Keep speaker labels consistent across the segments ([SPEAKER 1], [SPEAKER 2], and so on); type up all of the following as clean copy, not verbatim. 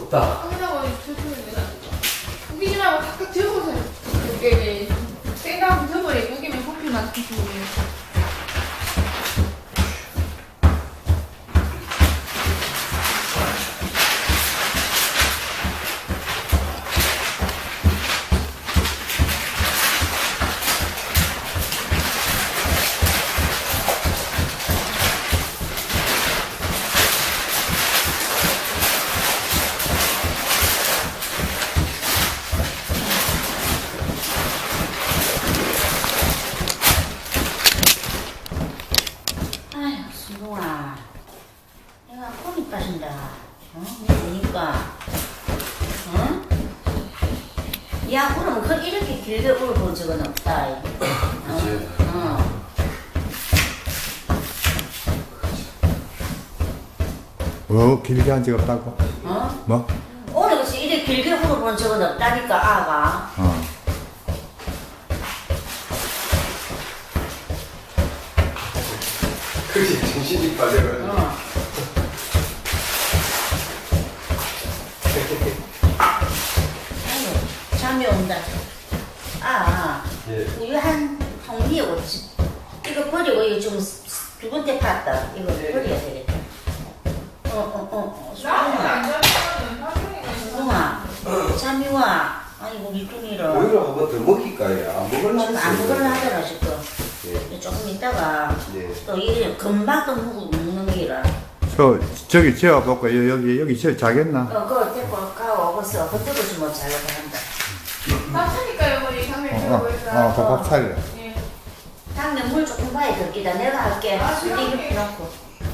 [SPEAKER 1] 없다.
[SPEAKER 2] 끝나고 저쪽에 우기지 말고 각각 접어서 이렇게 생강 접어래 우기면 커피만 드시고.
[SPEAKER 3] 야, 그럼 그 이렇게 길게 울어본 적은 없다.
[SPEAKER 1] 그치.
[SPEAKER 4] 길게 한 적 없다고?
[SPEAKER 3] 어?
[SPEAKER 4] 뭐?
[SPEAKER 3] 오늘 그치 이렇게 길게 울어본 적은 없다니까, 아가.
[SPEAKER 1] 그게 정신이 빠져가지고.
[SPEAKER 3] 아이고, 잠이 온다.
[SPEAKER 1] 예.
[SPEAKER 3] 우유 한 통미에 오지. 이거 버리고 이거 좀 두 번째 팠다. 이거 버려야 되겠다. 수동아, 잠이 와. 아이고, 우리 뚱이를.
[SPEAKER 1] 오히려 한 번 더 먹힐까요? 안 먹을라
[SPEAKER 3] 지금 안 먹으려 하더라, 지금. 조금 있다가 또 이래 금방 또 먹는 게라.
[SPEAKER 4] 저기 재워볼까? 여기 자겠나?
[SPEAKER 3] 그거 데리고 가오고서 그때부터 뭐 잘라고 한다.
[SPEAKER 2] 밥 차니까요, 머리 당면 들어보니까.
[SPEAKER 4] 밥 차려.
[SPEAKER 2] 예.
[SPEAKER 3] 당면 물 조금 봐야 될기다. 내가 할게. 이렇게 놓고.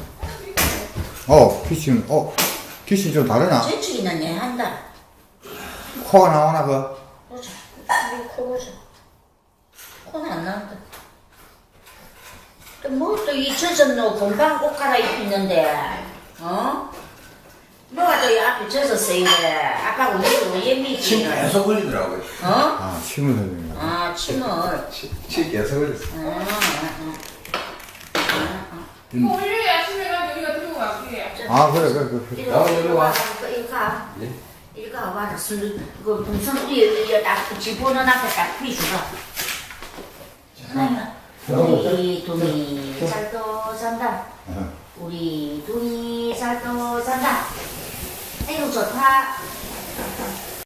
[SPEAKER 4] 귀신 좀 다르나?
[SPEAKER 3] 저쪽이나 내 한다.
[SPEAKER 4] 코가 나오나, 그?
[SPEAKER 3] 보자. 우리 코 보자. 코는 안 나온다. 또 뭐 또 잊혀서 너 금방 옷 갈아입는데, 어? 뭐가 또 이 앞에 젖었어, 이래. 아빠가 우리 예미지.
[SPEAKER 1] 침 계속 흘리더라고요.
[SPEAKER 3] 어?
[SPEAKER 4] 침을 흘리는 거.
[SPEAKER 3] 침을.
[SPEAKER 1] 침 계속 흘렸어.
[SPEAKER 2] 이거 올려야 아침에가 우리가 들고 갈게요.
[SPEAKER 4] 그래.
[SPEAKER 3] 이거
[SPEAKER 1] 이리 와.
[SPEAKER 3] 이거 가.
[SPEAKER 1] 예?
[SPEAKER 3] 이거 와라. 그 동선 위에 딱 집어넣어 놨고 딱 피주라. 우리 동이 잘도 산다. 우리 동이 잘도 산다. 아이고 좋다.